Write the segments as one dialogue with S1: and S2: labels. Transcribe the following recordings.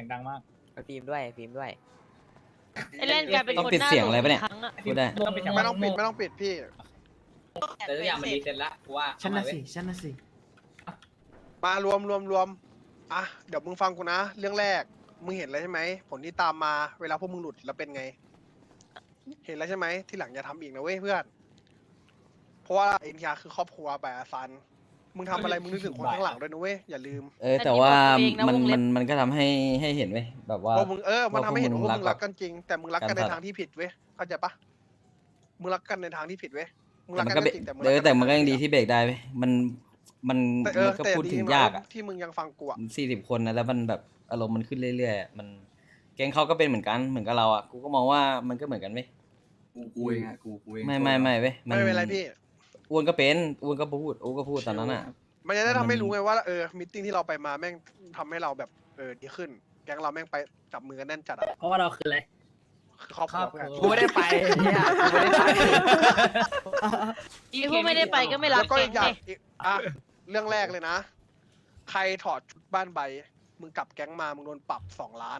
S1: งดังมาก
S2: ฟิล์มด้วยฟิล์มด้วย
S3: ไอเล่นกลายเป็น
S4: ต้อง
S3: คน
S4: ปิด
S3: หน้า
S4: เสียงอะไรปะเนี่ย
S3: ครั้งอะ
S4: พูดได้
S1: ต้องปิดเสียง
S5: ไม่ต้องปิดไม่ต้องปิดพี่
S1: แต่ทุกอย่างมันรีเซ็ตละกูว่า
S6: ฉันน่ะสิฉันน่ะสิ
S5: มารวมอ่ะเดี๋ยวมึงฟังกูนะเรื่องแรกมึงเห็นแล้วใช่ไหมผลที่ตามมาเวลาพวกมึงหลุดแล้วเป็นไง เห็นแล้วใช่ไหมที่หลังอย่าทำอีกนะเว้ยเพื่อนเพราะว่าเอ็นทีอาร์คือครอบครัวแบบซันมึงทำอะไรมึงนึกถึงคนข้างหลังด้วยนะเว้ยอย่าลืม
S4: แต่ว่ามันก็ทำให้เห็นเว้ยแบบว่า
S5: ว่ามึงมันทำให้เห็นว่าพวกมึง
S4: รั
S5: รักกันจริง แต่มึงรักกันในทางที่ผิดเว้ยเข้าใจปะมึงรักกันในทางที่ผิดเว้ยมึงรัก
S4: มัน
S5: กัน
S4: ก็
S5: จริงแต่มึง
S4: แต่มันก็ยังดีที่เบรกได้เว้ยมันก็
S5: แต่
S4: พูด
S5: ดี
S4: ถึง
S5: นะ
S4: ยากอ่ะ
S5: ที่มึงยังฟังกูอ่ะ
S4: 40 คนนะแล้วมันแบบอารมณ์มันขึ้นเรื่อยๆมันแก๊งเขาก็เป็นเหมือนกันเหมือนกับเราอ่ะกูก็มองว่ามันก็เหมือนกันเว้ย
S7: กูเองอะกูเอง
S4: ไม่เว้ย
S5: ไม่เป็นไรพี่
S4: อ้วนก็เป็นอ้วนก็พูดตอนนั้นอ่ะ
S5: มันจะได้ทำให้รู้ไงว่ามิทติ้งที่เราไปมาแม่งทำให้เราแบบดีขึ้น แก๊งเราแม่งไปจับมือกันแน่นจัดอ่ะ
S1: เพราะว่าเราคืออะไร
S5: คือครอบครัวเพื่อน
S2: กูไม่ได้ไปเนี่ยกูไม่ได้ไป
S3: อีพวกไม่ได้ไปก็ไม่รั
S5: แล้
S3: ก
S5: วก็
S3: แก
S5: อี
S3: ง
S5: กอย่าง
S3: ไง
S5: เรื่องแรกเลยนะ ใครถอดชุดบ้านใบ มึงกลับแก๊งมามึงโดนปรับ2 ล้าน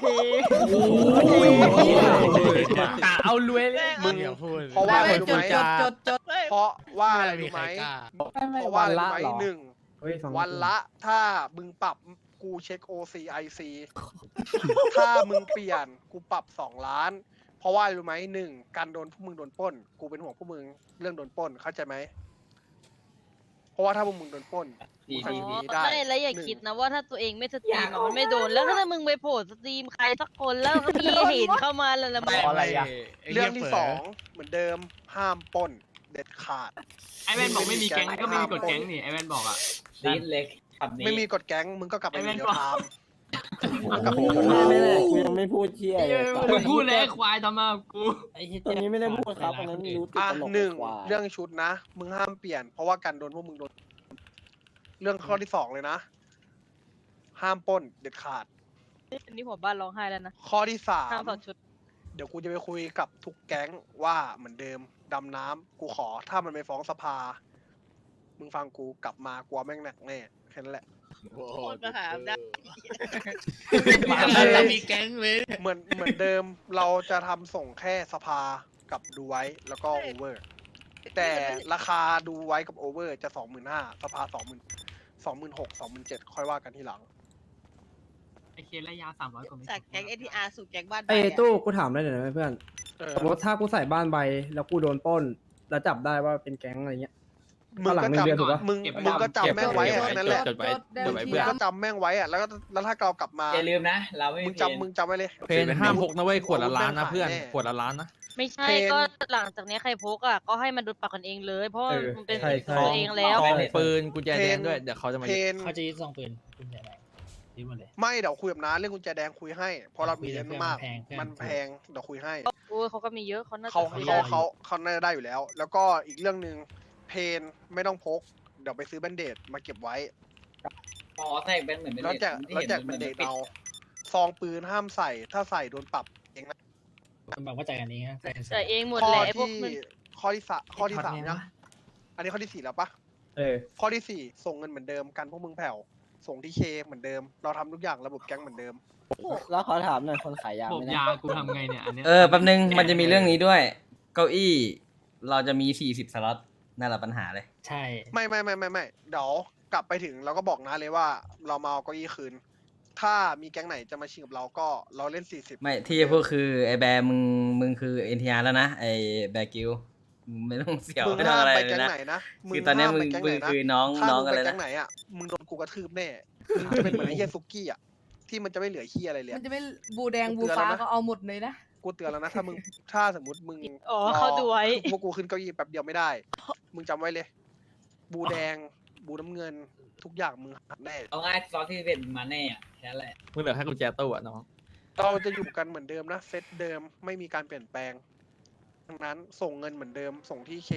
S1: กะเอารวยเลย
S5: มึงเพราะว่าอะไรรู้ไหม
S3: จด
S5: เพราะว่าอะไรรู้ไหมเพราะว่าอะไรรู้ไหมหนึ่งวันละถ้ามึงปรับกูเช็ค OCIC ถ้ามึงเปลี่ยนกูปรับ2 ล้าน เพราะว่าอะไรรู้ไหมหนึ่งการโดนพวกมึงโดนปล้น กูเป็นห่วงพวกมึงเรื่องโดนปล้นเข้าใจไหมเพราะว่าถ้าพวกมึงโดนปล้น
S1: ดี
S5: มึง
S1: ดี
S5: ทำ
S1: ดี
S5: อย่างนี้ได้
S3: ไม่แล้วอย่าคิดนะว่าถ้าตัวเองไม่สตรีมอะมันไม่โดนแล้วถ้ามึงไปโผล่สตรีมใครสักคนแล้วก็มีเห็นเข้ามาแล้วละมึง
S2: อะไรอ่ะ
S5: เรื่องที่2เหมือนเดิมห้ามปล้นเด็ดขาด
S8: ไอแวนบอกไม่มีแก๊งก็ไม่มีกฎแก๊งนี่ไอแวนบอกอ่ะ
S1: ดีเล็กขับนี้
S5: ไม่มีกฎแก๊งมึงก็กลับไป
S8: ไอ้
S5: อ
S8: แม่
S5: ยู่
S8: ง
S5: เดียว
S8: บอก
S5: ทาม
S9: ไม่เลยกูยังไม่พูดเชี่ยเลย
S8: มึงพูดเลยไอ้ควายทำมากู
S9: ตรงนี้ไม่ได้พูดครับอันนั้นรู้ติดตลก
S5: หนึ่ง
S9: กว่า
S5: เรื่องชุดนะ มึงห้ามเปลี่ยน เพราะว่าการโดนพวกมึงโดน เรื่องข้อที่2เลยนะ ห้ามปล้นเด็ดขาด
S3: อันนี้หัวบ้านร้องไห้แล้วนะ
S5: ข้อที่
S3: ห้ามถอดชุด
S5: 3เดี๋ยวกูจะไปคุยกับทุกแก๊งว่าเหมือนเดิมดำน้ำกูขอถ้ามันไปฟ้องสภา มึงฟังกูกลับมากลัวแม่งหนักแน่แค่นั้นแหละ
S3: โคตรมหาอำนาจ
S8: มีแก๊งเลย
S5: เหมือนเดิมเราจะทำส่งแค่สภากับดูไว้แล้วก็โอเวอร์ แต่ราคาดูไว้กับโอเวอร์จะ25,000สภา26,000 27,000ค่อยว่ากันทีหลัง
S8: ไอเคสระยะ300กว่าเมตร
S3: จากแก๊ง ATR สู่แก๊งบ้าน
S6: ไอ้ตู้กูถามได้หน่อยได้ไหมเพื่อนสมมติถ้ากูใส่บ้านใบแล้วกูโดนปล้น แล้วจับได้ว่าเป็นแก๊งอะไรเงี้ย
S5: มึง
S6: หลัง
S5: ก็
S6: หนึ่งเดือนถูก
S5: จำ
S6: ปะ
S5: มึงก็จำแม่งไว้อะแค่นั้นแหละ
S8: จดไว้จดไว้
S5: มึ
S8: เพื่
S5: ง
S8: อน
S5: ก็จำแม่งไว้อะแล้วถ้าเรากลับมา
S1: อย่าลืมนะ เราไม่
S5: มึ
S1: มี
S5: งจำไว้เลย
S7: เพนห้ามพกนะเว้ยขวดละล้านนะเพื่อนขวดละล้านนะ
S3: ไม่ใช่ก็หลังจากนี้ใครพกอ่ะก็ให้มันโดนปรับกันเองเลย เพราะว่ามันเป็น
S6: ใช่
S3: สิทธิ์ของตัวเองแล้ว
S7: ซองปืนกุญแจแดงด้วยเดี๋ยวเขาจะมา
S5: เพน
S1: เขาจะยึดซองปืนคุณใหญ่ไหนยึดหมดเลย
S5: ไม่เดี๋ยวคุยกับน้าเรื่องกุญแจแดงคุยให้ เพราะเรามีเยอะมาก
S1: แพง
S5: มันแพงเดี๋ยวคุยให้
S3: โอ้ยเขาก็มีเยอะเขาน่าจะ
S5: เขา
S3: คุย
S5: เขา
S3: ได้
S5: เขาน่าจะได้อยู่แล้ว แล้วก็อีกเรื่องหนึ่งเพนไม่ต้องพก เดี๋ยวไปซื้อแบนเดดมาเก็บไว้
S1: อ๋อแทกเป็นเหมือน
S5: แล้วแจกแบนเดดเอาซองปืนห้ามใส่ถ้าใส่โดนปรับเองนะ
S1: คุณบอกว่าใจกันนี้ฮะ
S3: แต่เองหมด
S5: ข้อ
S3: แหละไอ้พวก
S5: ที่
S3: มัน
S5: ข้อที่สามนะอันนี้ข้อที่4แล้วปะ ข้อที่ 4 ส่งเงินเหมือนเดิมกันพวกมึงแผ่วส่งที่เคเหมือนเดิม เราทำทุกอย่างระบบแก๊งเหมือนเดิม
S9: แล้วขอถามหน่อยคนขายยา
S8: บอ
S9: ไห
S8: ก
S9: ม
S8: ยากูทำไงเนี่ยอันเนี้ย
S4: แป๊บนึงมันจะมีเรื่องนี้ด้วย เก้าอี้ เราจะมี40 สล็อตนั่นแหละปัญหาเลย
S1: ใช่
S5: ไม่เดี๋ยวกลับไปถึงเราก็บอกนะเลยว่าเรามาเอาเก้าอี้คืน ถ้ามีแก๊งไหนจะมาชิงกับเราก็เราเล่น40
S4: ไม่ที่จะพูดคือไอ้แบร์มึงคือ NTR แล้วนะไอ้แบร์กิลมึงไม่ต้องเสียว
S5: มึง
S4: ไม่ต้อง
S5: ห้าม
S4: อะไร
S5: ไป
S4: เล
S5: แก๊
S4: ย
S5: ง
S4: นะ
S5: ไหนนะ
S4: คือตอนเนี้ย
S5: ห้าม
S4: มึ
S5: ไป
S4: ง
S5: แก๊งไหนนะ
S4: คือน้อง
S5: ถ้า
S4: น้อง
S5: มึง
S4: อะไร
S5: ไปแก๊
S4: นะ
S5: งไหนอ่ะมึงโดนกูกระทืบแน่มึงจะเป็นเหมือนไอ้เฮียซุกี้อ่ะที่มันจะไม่เหลือเฮียอะไรเลย
S10: มันจะไม่บูแดงบูฟ้าก็เอาหมดเลยนะ
S5: กูเตือนแล้วนะถ้าสมมติมึง
S3: อ๋อเขาดูไว้
S5: พวกกูขึ้นเก้าอี้แป๊บเดียวไม่ได้ มึงจำไว้เลย บูแดง บูน้ำเงิน ทุกอย่างมึงหักแน่
S1: เอาง่ายซอสที่เป็นมาแน่อะแค่นั้นแหละ
S7: มึงเหลือแค่กุญแจตู้อะน้อง
S5: เราจะอยู่กันเหมือนเดิมนะ เซตเดิมไม่มีการเปลี่ยนแปลงดังนั้นส่งเงินเหมือนเดิม ส่งที่เค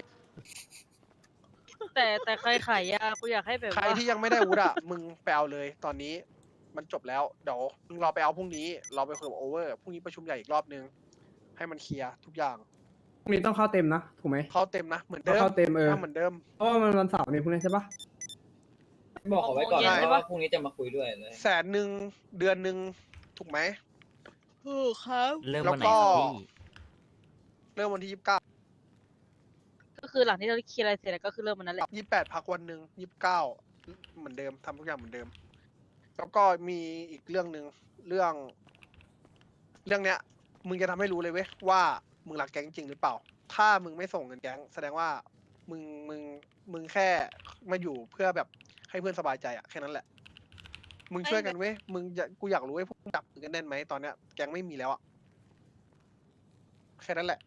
S3: แต่ใครขายยากูอยากให้แบบ
S5: ใคร
S3: ว่า
S5: ที่ยังไม่ได้อาวุธอ่ะ มึงไปเอาเลย ตอนนี้มันจบแล้ว เดี๋ยวมึงรอไปเอาพรุ่งนี้ เราไปคุยกับโอเวอร์ พรุ่งนี้ประชุมใหญ่อีกรอบนึง ให้มันเคลียร์ทุกอย่าง
S6: พรุ่งนี้ต้องเข้าเต็มนะถูกไหม
S5: เข้าเต็มนะ เหมือนเดิม
S6: เข้าเต็ม
S5: ถ้าเหมือนเดิม
S6: เพราะว่ามันวันเสาร์นี่พรุ่งนี้ใช่ปะ
S1: บอกเขาไว้ก่อน
S3: เย็น
S1: นะ
S3: ใช่ปะ
S1: ว่าพรุ่งนี้จะมาคุยด้วยเลย
S5: 100,000เดือนหนึ่งถูกไหม
S3: ถูกครับ
S2: เริ่ม
S5: แล้ว
S2: วันไหน
S5: ก็
S2: ครับพี่
S5: เริ่มวันที่
S3: ก็คือหลังที่เราเคลียร์อะไรเสร็จแล้วก็คือเริ่มวันนั้นแหละ
S5: 28พักวันหนึ่ง29เหมือนเดิมทำทุกอย่างเหมือนเดิม แล้วก็มีอีกเรื่องหนึ่งเรื่องเนี้ยมึงจะทำให้รู้เลยเว้ยว่ามึงรักแก๊งจริงหรือเปล่า ถ้ามึงไม่ส่งเงินแก๊งแสดงว่ามึงแค่มาอยู่เพื่อแบบให้เพื่อนสบายใจอะแค่นั้นแหละ มึงช่วยกันเว้ยกูอยากรู้เว้ยพวกมึงจับมือกันแน่นไหมตอนเนี้ยแก๊งไม่มีแล้วอะแค่นั้นแหละ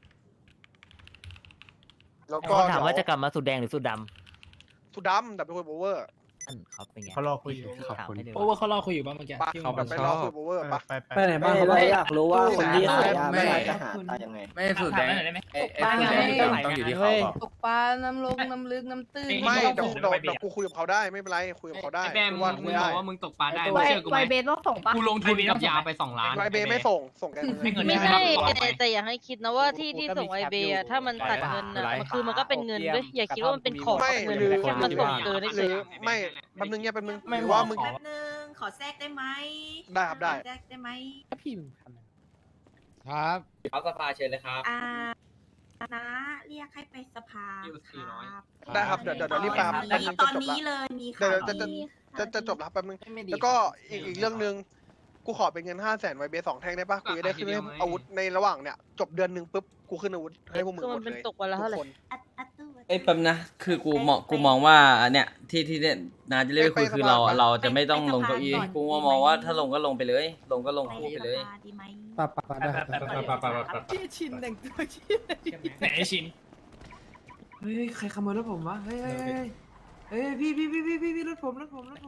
S5: แล้วก็
S2: เขาถามว่าจะกลับมาสูตรแดงหรือสูตรด
S5: สุดดำดับเบิลโอเวอร์
S2: ำนั่นเขาเป็นไง
S9: เขารอคุยอยู่
S2: ถามให้ดู
S1: โอ้ว่าเขารอคุยอยู่บ้างเมื่อกี้
S5: ปะ
S1: ที่
S5: กลับไปรอคุยโอเวอร์ปะ
S6: ไปไหนบ้าง
S9: ไม่
S6: เขา
S9: เรา
S6: บอก
S9: อยากรู้ว่าคนที่ขายยา
S7: ไม่
S9: ไม่ได้จะหาตายังไง
S7: ไม่สูตรแดง
S1: ถามหน่อยได้ไหม
S7: ไอ้สูตรแดงนี่ต้องอยู่ที่เขาเปล่า
S10: ตกปลา น้ำลง น้ำลึก น้ำตื้น
S5: ไม่
S1: ไม่
S5: เดี๋ยว
S1: ต้องส่ง
S5: เดี๋ยวกูคุยกับเขาได้ไม่เป็นไรคุยกับเขาได้
S8: ไอ้แบม
S5: ว่า
S8: มึ
S5: คุ
S8: ง
S5: ย
S8: บ
S5: ได้
S8: อกว่ามึงตกปลาได้
S10: ไว
S8: มึงเชื่อกูไห
S10: ไว
S8: ม
S10: เบสต้องส่งปะ
S8: กูลงทุนกับยาไป2 ล้าน
S5: ไวเบไม่ส่งกัน
S1: ไม่เงิน
S3: ไม่
S1: ไม่
S3: ใช่
S1: ให้
S3: แต่อยากให้คิดนะว่าที่ส่งไอเบย์อะถ้ามันตัดเงินอะมันคือมันก็เป็นเงินด้วยอย่าคิดว่ามันเป็นของ
S5: ไม่
S3: เงิน
S5: หรือ
S3: แค่มันส่งเกิน
S5: ห
S3: เฉ
S5: รื
S3: ย
S5: อไม่แป๊บนึงเนี่ยแป๊บนึง
S1: ไม่
S5: หรือว่ามึง
S1: ขอ
S11: แป๊บนึงขอแทรกได้ไหม
S5: ได้ครับได้
S11: ขอแทรกได้ไหม
S1: พี่มึงทำอะไร
S7: ครับ
S1: ครับสภาเชิญเลยครับ
S11: นะเรียกให้ไปสภา
S8: อยู่
S11: ค
S8: 400
S11: รับ
S5: ได้ครับเดี๋ยวรีบไปครับแป๊บนึง
S11: ต
S5: จะ
S11: อน
S5: จบ
S11: นี้
S5: ละ
S11: เลยมี
S5: เดี๋ยว
S11: ข่าว
S5: จะ
S11: ดี
S5: จะจบแล้วแป๊บนึงแล้วก็อีกเรื่องนึงกูขอเป็นเงิน500,000ไวเบ2 แท่งได้ปะกูจะได้ขึ้นอาวุธในระหว่างเนี่ยจบเดือนหนึ่งปุ๊บกูขึ้นอาวุธให้พวกมึง
S3: คือ
S5: หม
S3: มัน
S5: ด
S3: เป็น
S5: เลย
S3: ตกวันละเท่าไหร่
S5: ทุกคน
S11: อัดตู้
S4: เอ้ยแป๊บนะ คือกูมองว่าอันเนี้ยที่เนี่ยนาจะเรียกไปคุยคือเราจะไม่ต้องลงเก้าอี้กูมองว่าถ้าลงก็ลงไปเลย ลงก็ลงคู่ไปเลย
S11: สภาดีไหม
S6: ปะได้ครับ
S10: ที่ชินแต่งตัวชิน
S1: ไหนไอ้ชิน
S6: เฮ้ยใครขโมยรถผมวะเฮ้ยพี่รถผม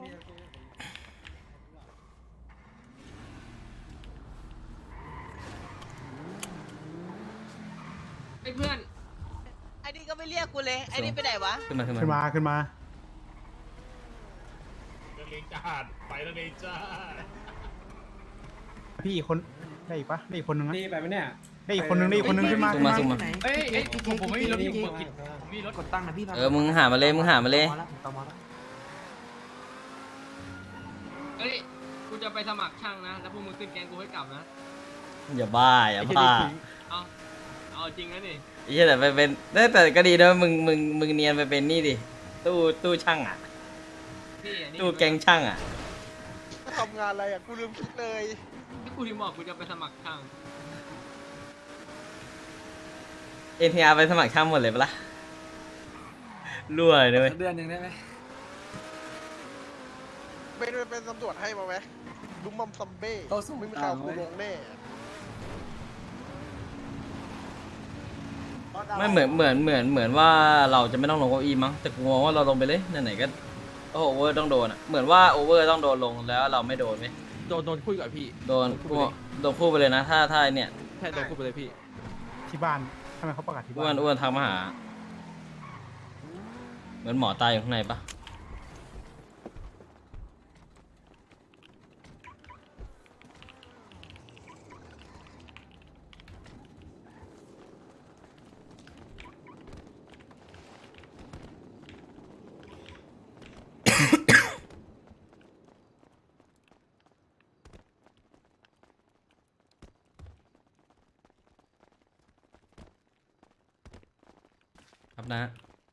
S8: ไอ้เพื่อน
S3: ไอ้นี่ก็ไม่เรียกกูเลยไอ้นี่ไปไหนวะ
S4: ขึ้นมา
S9: ขึ้นมา พี่คนได้อีกปะได้อีกคนนึงนะ
S6: นี่ไปไหมเนี่ย
S9: ได้อีกคนนึงขึ้นมา
S4: ซุ่มมาซุ่มมา
S8: เอ้ยผมไม่มีรถอยู่ผมมีรถ
S6: กดตั้งนะพี่
S4: มึงหามาเลย
S8: เอ้ยกูจะไปสมัครช่างนะแล้วพวกมึงขึ้นแกงกูให้กลับนะ
S4: อย่าบ้า
S8: เอาจริงนะนี่
S4: ไอ้เหี้ยแต่ไปเป็นแต่ก็ดีนะมึงเนียนไปเป็นนี่ดิตู้ช่างอ่ะ
S8: พี่อันนี้
S4: ตู้แกงช่างอ่ะ
S5: ทำงานอะไรอ่ะกูลืมคิดเลย
S8: ที่กูที่บอกกูจะไปสมัครช่าง
S4: NTR ไปสมัครช่างหมดเลยปะล่ะรั่วเลยเว้ย
S6: เดือนหนึ่งได้ไหม
S5: เป็นตำรวจให้มาไหมดุมมัมซัมเบ้ไม่มีใครเอากูลงแน่
S4: ไม่เหมือนว่าเราจะไม่ต้องลงเก้าอี้มั้งแต่กูมองว่าเราลงไปเลยไหนๆก็โอเวอร์ต้องโดนอ่ะเหมือนว่าโอเวอร์ต้องโดนลงแล้วเราไม่โดนไหม
S7: โดนคุยกับพี่
S4: โดนคู่ไปเลยนะถ้าเนี่ย
S7: แค่โดนคุยไปเลยพี่
S9: ที่บ้านทำไมเขาประกาศที่
S4: อ้ว
S9: บ้าน
S4: นทักมาหา เหมือนหมอตายอยู่ข้างในปะครับนะ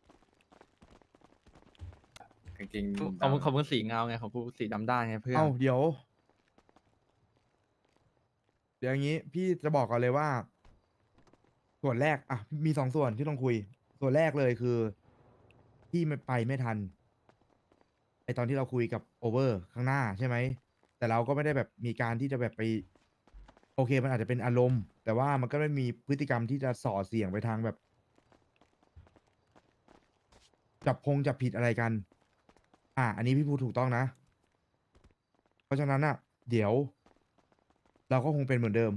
S7: จริงๆของมึงสีเงาไงของกูสีดำด้านไงเพื่อน
S9: เอ้าเดี๋ยวอย่างนี้พี่จะบอกก่อนเลยว่า ส่วนแรกอ่ะมี2 ส่วนที่ต้องคุย ส่วนแรกเลยคือพี่ไม่ทันไอตอนที่เราคุยกับโอเวอร์ข้างหน้าใช่ไหมแต่เราก็ไม่ได้แบบมีการที่จะแบบไป โอเคมันอาจจะเป็นอารมณ์ แต่ว่ามันก็ไม่มีพฤติกรรมที่จะส่อเสียงไปทางแบบ จับผิดอะไรกัน อันนี้พี่พูดถูกต้องนะ เพราะฉะนั้นอ่ะ เดี๋ยว เราก็คงเป็นเหมือนเดิม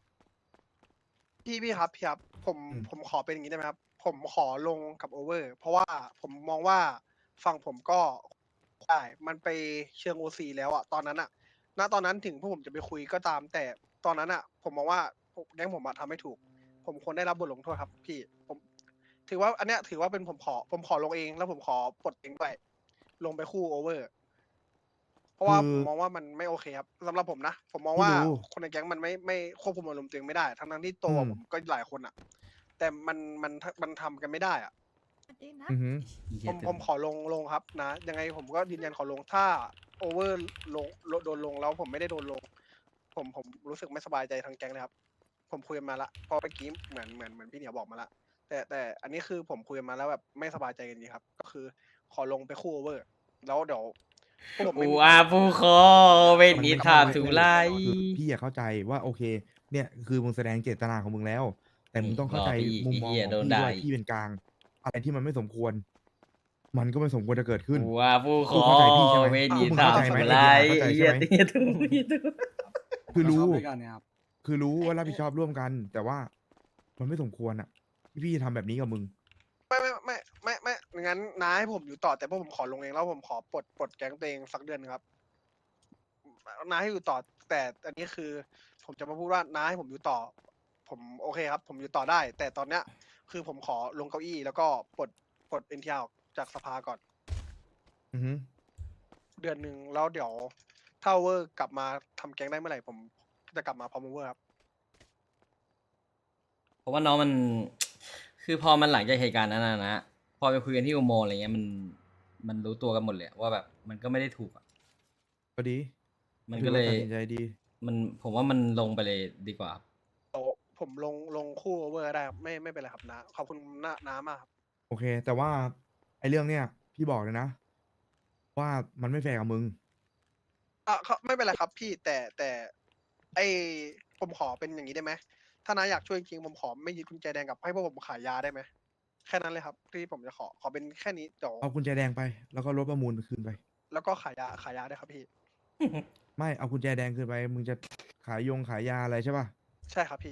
S5: พี่ครับผม
S9: อืม
S5: ผมขอเป็นอย่างนี้ได้ไหมครับ ผมขอลงกับโอเวอร์ เพราะว่าผมมองว่าฝั่งผมก็ได้มันไปเชิงโอซีแล้วอะตอนนั้นอะณตอนนั้นถึงพวกผมจะไปคุยก็ตาม แต่ตอนนั้นอะผมมองว่าแก๊งผมอะทำไม่ถูก ผมควรได้รับบทลงโทษครับ พี่ผมถือว่าอันเนี้ยถือว่าเป็นผมขอลงเองแล้วผมขอปลดเองด้วยลงไปคู่โอเวอร์ เพราะว่า
S9: คื
S5: ผ
S9: อ
S5: มมองว่ามันไม่โอเคครับสำหรับผมนะผมมองว่า
S9: พี่รู้
S5: คนในแก๊งมันไม่ควบคุมอารมณ์ตัวเองไม่ได้ทั้งที่ตัว
S9: อืม
S5: ผมก็หลายคนอ่ะ แต่มันทำกันไม่ได้อ่ะ
S9: อือหือ
S5: ผมขอลงครับนะ ยังไงผมก็ยืนยันขอลงถ้าโอเวอร์โดนลงแล้วผมไม่ได้โดนลง ผมรู้สึกไม่สบายใจทางแก๊งเลยครับ ผมคุยกันมาละเพราะเมื่อกี้เหมือนพี่เหนียวบอกมาละแต่อันนี้คือผมคุยกันมาแล้วแบบไม่สบายใจกันจริงครับ ก็คือขอลงไปคู่โอเวอร์ แล้วเดี๋ยวพวกผมไม่
S4: อู
S5: มี
S4: อาผู้คอเวทนิทามถูไล
S9: คือพี่อยากเข้าใจว่าโอเค เนี่ยคือมึงแสดงเจตนาของมึงแล้ว แต่มึงต้องเข้าใจ
S4: รอพี่
S9: มุมมอง
S4: ไอ้เหี้ย
S9: ของ
S4: โดน
S9: พี่
S4: ด่า
S9: ว่า
S4: อีก
S9: พี่เป็นกลาง อะไรที่มันไม่สมควร มันก็ไม่สมควรจะเกิดขึ้น
S4: อูอาผู้คอ
S9: เข้าใจพี่ใช่ไหม
S4: เวทนิ
S9: มึง
S4: ทาม
S9: เข้าใจไหม
S4: ถูไล
S9: เข้าใจใช่
S4: เหี้ย
S9: ไหม
S4: เตี้ยถูเหี้ยถู
S9: คือรู้
S6: ด้วยกันเนี่ยครับ
S9: คือรู้ว่ารับผิดชอบร่วมกัน แต่ว่ามันไม่สมควรอ่ะที่พี่จะทำแบบนี้กับมึง
S5: ไม่งั้นน้าให้ผมอยู่ต่อแต่พวกผมขอลงเองแล้วผมขอปลดแก๊งตัวเองสักเดือนนึงครับน้าให้อยู่ต่อแต่อันนี้คือ ผมจะมาพูดว่าน้าให้ผมอยู่ต่อ ผมโอเคครับ ผมอยู่ต่อได้ แต่ตอนเนี้ย คือผมขอลงเก้าอี้แล้วก็ปลดเอ็นทีอาร์จากสภาก่อน
S9: อือหือ
S5: เดือนหนึ่งแล้วเดี๋ยวถ้าเวอร์กลับมาทำแก๊งได้เมื่อไหร่ผมจะกลับมาพร้อมเวอร์ครับ
S4: เพราะว่าน้องมัน คือพอมันหลังจากเหตุการณ์นั้นนะ พอไปคุยกันที่อุโมงค์อะไรเงี้ยมันรู้ตัวกันหมดเลยว่าแบบมันก็ไม่ได้ถูกอะ
S9: ก็ดี
S4: มันก็เลย
S9: ถือว่าตัดสินใจดี
S4: ผมว่ามันลงไปเลยดีกว่าครับ
S5: เดี๋ยวผมลงคู่เวอร์ได้ครับไม่เป็นไรครับนะขอบคุณน้ามากครับ
S9: โอเค แต่ว่าไอ้เรื่องเนี้ยพี่บอกเลยนะ ว่ามันไม่แฟร์กับมึง
S5: ไม่เป็นไรครับพี่แต่ไอผมขอเป็นอย่างนี้ได้ไหมถ้าน้าอยากช่วยจริงๆผมขอไม่ยึดกุญแจแดงกับให้พวกผมขายยาได้ไหมแค่นั้นเลยครับที่ผมจะขอเป็นแค่นี้เดี๋ยว
S9: เอากุญแจแดงไป แล้วก็รถประมูลคืนไป
S5: แล้วก็ขายยาได้ครับพี่
S9: ไม่เอากุญแจแดงคืนไป มึงจะขายยาอะไรใช่ป่ะ
S5: ใช่ครับพี่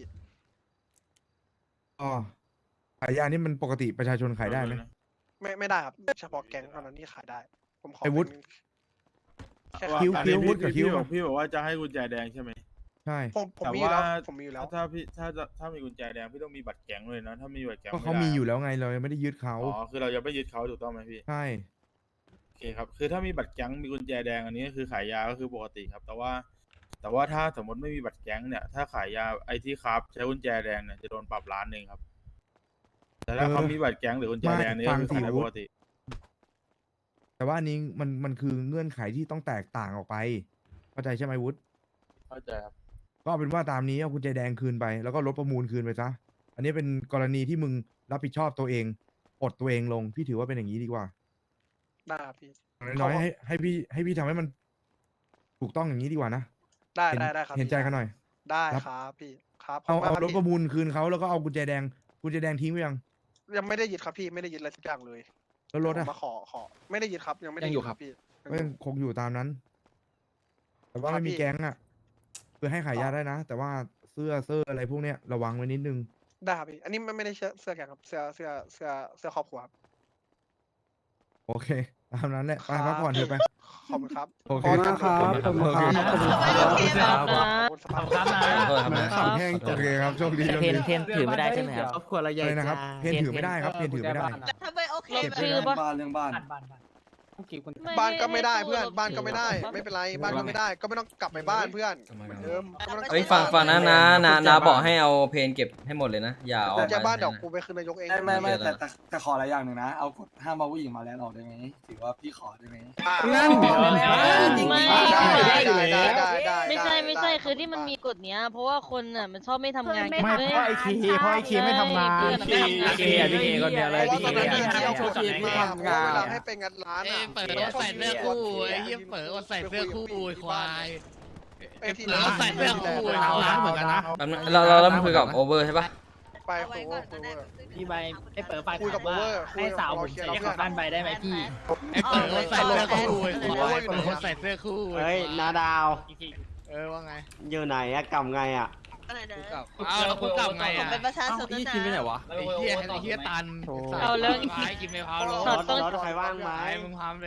S9: อ๋อขายยานี่มันปกติประชาชนขายได้ไหม
S5: ไม่ได้ครับเฉพาะแก๊งเท่านั้นที่ขายได้ ผมขอ
S9: ไอ้วุฒิ
S5: เป็นแค่
S9: คิ้ว
S5: ขาย
S9: คิ้ววุฒิกับคิ้ว
S7: พี่บอกว่าจะให้กุญแจแดงใช่ไหม
S9: ใช่
S5: ผม
S7: แต่
S5: มีอยู่
S7: ว่า
S5: แล้วผมมีอยู่แล้ว
S7: ถ้ามีกุญแจแดงพี่ต้องมีบัตรแก๊งเลยนะถ้ามีบัตรแก๊ง
S9: ก็เขา
S7: ไได้
S9: มีอยู่แล้วไงเรายังไม่ได้ยึดเขา
S7: อ๋อคือเราจะไม่ยึดเขาถูกต้องไหมพี่
S9: ใช่
S7: โอเคครับคือถ้ามีบัตรแก๊งมีกุญแจแดงอันนี้ก็คือขายยาก็คือปกติครับ แต่ว่าถ้าสมมติไม่มีบัตรแก๊งเนี่ยถ้าขายยาไอที่ครับใช้กุญแจแดงเนี่ยจะโดนปรับ1,000,000ครับแต่ถ้าเขามีบัตรแก๊งหรือกุญแจแดงนี่ก็คือขายได้ปกติ
S9: แต่ว่าอันนี้มันคือเงื่อนไขที่ต้องแตกต่างออกไป เข้าใจใช่ไหมวุฒิ
S7: เข้าใจครับ
S9: ก็เอาเป็นว่าตามนี้เอากุญแจแดงคืนไป แล้วก็รถประมูลคืนไปซะ อันนี้เป็นกรณีที่มึงรับผิดชอบตัวเองปลดตัวเองลง พี่ถือว่าเป็นอย่างนี้ดีกว่า
S5: ได้ครับพี่
S9: น้อยๆให้พี่ทำให้มันถูกต้องอย่างนี้ดีกว่านะ
S5: ได้
S9: เห็น
S5: ได้ครับ
S9: เห็นใจ
S5: พี่
S9: กันหน่อย
S5: ได้
S9: ครับ
S5: ครับพี่ครับข
S9: เอา
S5: บคุณมกคบ
S9: รถ
S5: พี่
S9: ประมูลคืนเขาแล้วก็เอากุญแจแดงทิ้งไปยัง
S5: ยังไม่ได้ยึดครับพี่ไม่ได้ยึดอะไรสักอย่างเลย
S9: แล้วรถ
S5: ผ
S9: อะ
S5: มมาขอไม่ได้ยึดครับยังไม่ได้
S7: ยังอยู่ครับ
S5: พี่
S9: ก็ยังคงอยู่ตามนั้น แต่ว่า
S5: ครับ
S9: ไม่มี
S5: พี่
S9: แก๊งอะคือให้ขายยาได้นะ แต่ว่าเสื้ออะไรพวกเนี้ยระวังไว้นิดนึง
S5: ได้ครับพี่อันนี้ไม่ได้เสื้อแกงครับเสื้อครอบครัวครับ
S9: โอเค ตามนั้นแหละไปพักผ่อนเถอะไป
S5: ขอบคุณครับ
S9: โอเค
S6: ขอบคุณครับขอบคุณครับ
S9: โอเค
S3: ครับนะ
S5: ขอบคุณสภาพ
S1: ครับนะ
S4: ขอโทษครับนะ
S6: ขำแห้ง
S9: โอเคครับโชคดีโชค
S2: เทน
S9: ดี
S2: เทนถือไม่ได้ใช่ไหมครับ
S6: ครอบครัวเราใหญ่
S9: อะไรนะครับ เพนถือไม่ได้ครับ เพนถือไม่ได้
S11: ทำไมโอเค
S3: ลบชื่อปะ
S6: บ้านเรื่องบ้าน
S1: บ้านต้องกี่คน
S5: บ้านก็ไม่ได้
S3: ให้
S5: เพื่อน
S3: ลบ
S5: บ้านก็ไม่ได้
S3: ชื่อ
S5: ไม่เป็นไรบ้านก็ไม่ได้ ก็ไม่ต้องกลับไปบ้านเพื่อน
S4: ทำไม
S5: เหมือน
S4: ครับ
S5: เดิมก็ไม่ต้องกลับ
S4: เอ้ย
S5: ไป
S4: ฟัง
S5: บ้าน
S4: นะบอกให้เอาเพนเก็บให้หมดเลยนะ อย่าเอา
S5: กุญแจบ้าน
S4: ไป
S5: เดี๋ยวกูไปคืนนายกเอง
S6: ไม่แต่ขออะไรอย่างหนึ่งนะ เอากฎห้ามเอาผู้หญิงมาแลนด์ออกได้ไหมถือว่าพี่ขอได้ไหม
S5: อ่ะ
S6: นั่น
S3: ไม่
S5: ได้
S3: ไม่ใช่คือที่มันมีกฎเนี้ย เพราะว่าคนอ่ะมันชอบไม่ทำงาน
S11: ไม่เพราะไอ้คี
S3: เพราะไอ้คีไม่ทำงาน
S1: พี่เคพี่เคคนเดียวเลย
S5: เพราะ
S1: พี่
S5: ว่า
S1: เค
S5: ตอนนั้นที่เอาคนอื่นมา
S6: ทำงาน
S5: เวลาให้ไปงัดร้านอ่ะ
S8: เปิดใส่เสื้อคู่ไอ้เหี้ยเปิดใส่เสื้อคู่ควาย
S5: ไอ้ที่
S8: เปิดใส่เสื้อคู่ร้านเหมือนกันนะ
S4: แป๊บนึงเราคุยกับโอเวอร์ใช่ปะ
S5: ไป
S11: เอา
S5: โอ
S11: ไว้
S5: เว
S11: ก่
S5: อ
S11: อน
S5: ร์
S11: ก็ได้
S1: พี่ใบให้เปิดไฟ
S5: คุยกับ
S1: ว่า
S5: Over
S1: ให้สาวผมใส่กลับบ้านไปได้ไหมพี่
S8: ไอ้เปิดใส่เสื้อคู่ควายเปิดใส่เสื้อคู่
S10: เฮ้ยนาดาว
S8: ว่าไง
S10: อยู่ไหนอะกลับไงอะ
S11: อะไรนะ
S8: อ้าวแล้วกูกลับไง
S11: ผม
S8: อ่ะ
S11: เป็นประชาชนนะ
S8: ไอ้เหี้ยตัน
S3: เอาเรื่อง
S8: กินไม่พาว
S3: ช็อตต้อง
S10: รถใครว่างไหม
S8: มึงพาม